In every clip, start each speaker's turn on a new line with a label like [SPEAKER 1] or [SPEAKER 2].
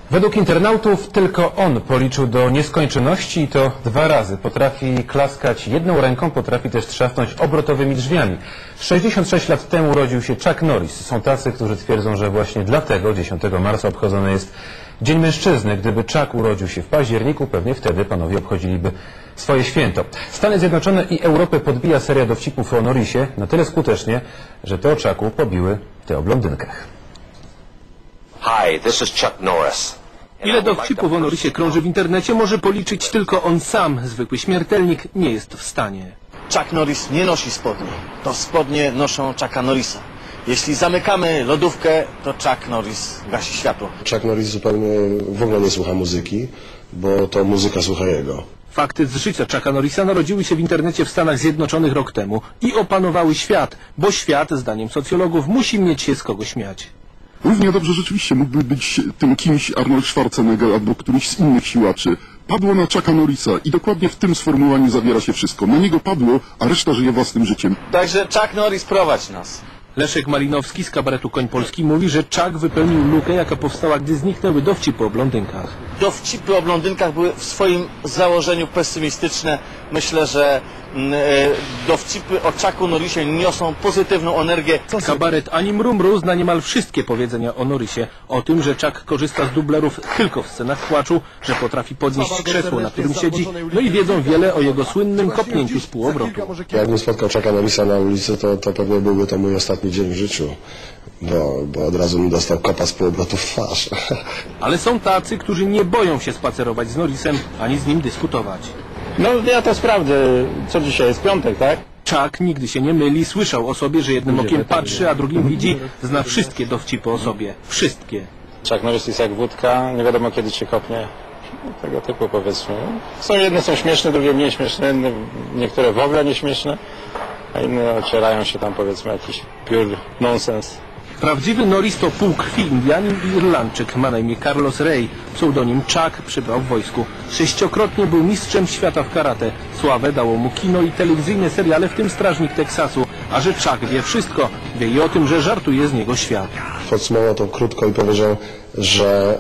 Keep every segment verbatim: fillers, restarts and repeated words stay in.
[SPEAKER 1] Według internautów tylko on policzył do nieskończoności i to dwa razy. Potrafi klaskać jedną ręką, potrafi też trzasnąć obrotowymi drzwiami. sześćdziesiąt sześć lat temu urodził się Chuck Norris. Są tacy, którzy twierdzą, że właśnie dlatego dziesiątego marca obchodzony jest Dzień Mężczyzny. Gdyby Chuck urodził się w październiku, pewnie wtedy panowie obchodziliby swoje święto. Stany Zjednoczone i Europę podbija seria dowcipów o Norrisie na tyle skutecznie, że te o Chucku pobiły te o blondynkach.
[SPEAKER 2] Hi, this is Chuck Norris.
[SPEAKER 3] Ile dowcipów o Norrisie krąży w internecie, może policzyć tylko on sam. Zwykły śmiertelnik nie jest w stanie.
[SPEAKER 4] Chuck Norris nie nosi spodni. To spodnie noszą Chucka Norrisa. Jeśli zamykamy lodówkę, to Chuck Norris gasi światło.
[SPEAKER 5] Chuck Norris zupełnie w ogóle nie słucha muzyki, bo to muzyka słucha jego.
[SPEAKER 3] Fakty z życia Chucka Norrisa narodziły się w internecie w Stanach Zjednoczonych rok temu i opanowały świat, bo świat, zdaniem socjologów, musi mieć się z kogo śmiać.
[SPEAKER 6] Równie dobrze rzeczywiście mógłby być tym kimś Arnold Schwarzenegger albo któryś z innych siłaczy. Padło na Chucka Norrisa i dokładnie w tym sformułowaniu zawiera się wszystko. Na niego padło, a reszta żyje własnym życiem.
[SPEAKER 4] Także Chuck Norris, prowadź nas.
[SPEAKER 3] Leszek Malinowski z kabaretu Koń Polski mówi, że Chuck wypełnił lukę, jaka powstała, gdy zniknęły dowcipy o blondynkach.
[SPEAKER 4] Dowcipy o blondynkach były w swoim założeniu pesymistyczne. Myślę, że e, dowcipy o Chucku Norrisie niosą pozytywną energię.
[SPEAKER 3] Kabaret Ani Mrumru zna niemal wszystkie powiedzenia o Norrisie. O tym, że Chuck korzysta z dublerów tylko w scenach płaczu, że potrafi podnieść krzesło, na którym siedzi, no i wiedzą wiele o jego słynnym kopnięciu z półobrotu.
[SPEAKER 5] Jakbym spotkał Chucka Norrisa na ulicy, to, to pewnie byłby to mój ostatni dzień w życiu, bo, bo od razu mi dostał kopa z półobrotu w twarz.
[SPEAKER 3] Ale są tacy, którzy nie boją się spacerować z Norrisem, ani z nim dyskutować.
[SPEAKER 7] No ja to sprawdzę. Co dzisiaj jest piątek, tak?
[SPEAKER 3] Chuck nigdy się nie myli, słyszał o sobie, że jednym okiem patrzy, a drugim widzi, zna wszystkie dowcipy o sobie. Wszystkie.
[SPEAKER 7] Chuck Norris jest jak wódka, nie wiadomo kiedy cię kopnie. Tego typu powiedzmy. Są jedne są śmieszne, drugie mniej śmieszne, niektóre w ogóle nieśmieszne, a inne ocierają się tam powiedzmy jakiś pure nonsens.
[SPEAKER 3] Prawdziwy Norris to pół krwi Indianin i Irlandczyk. Ma na imię Carlos Rey. Pseudonim Chuck przybrał w wojsku. Sześciokrotnie był mistrzem świata w karate. Sławę dało mu kino i telewizyjne seriale, w tym Strażnik Teksasu. A że Chuck wie wszystko, wie i o tym, że żartuje z niego świat.
[SPEAKER 5] Podsumował to krótko i powiedział, że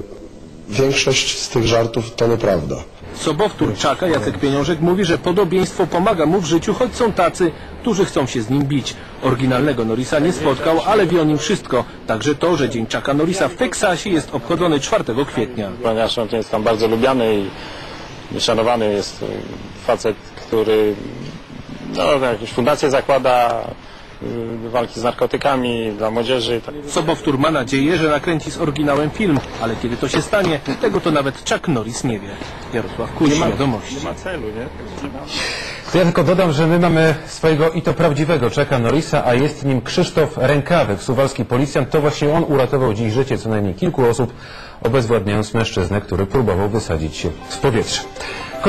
[SPEAKER 5] y, większość z tych żartów to nieprawda.
[SPEAKER 3] Sobowtór Chucka, Jacek Pieniążek, mówi, że podobieństwo pomaga mu w życiu, choć są tacy, którzy chcą się z nim bić. Oryginalnego Norrisa nie spotkał, ale wie o nim wszystko. Także to, że Dzień Chucka Norrisa w Teksasie jest obchodzony czwartego kwietnia.
[SPEAKER 7] Ponieważ on jest tam bardzo lubiany i szanowany jest facet, który no, jakieś fundacje zakłada, walki z narkotykami dla młodzieży.
[SPEAKER 3] Sobowtór ma nadzieję, że nakręci z oryginałem film, ale kiedy to się stanie, tego to nawet Chuck Norris nie wie. Jarosław Kuś, Wiadomości.
[SPEAKER 7] Nie ma celu, nie?
[SPEAKER 1] To ja tylko dodam, że my mamy swojego i to prawdziwego Chucka Norrisa, a jest nim Krzysztof Rękawy, suwalski policjant. To właśnie on uratował dziś życie co najmniej kilku osób, obezwładniając mężczyznę, który próbował wysadzić się z powietrza.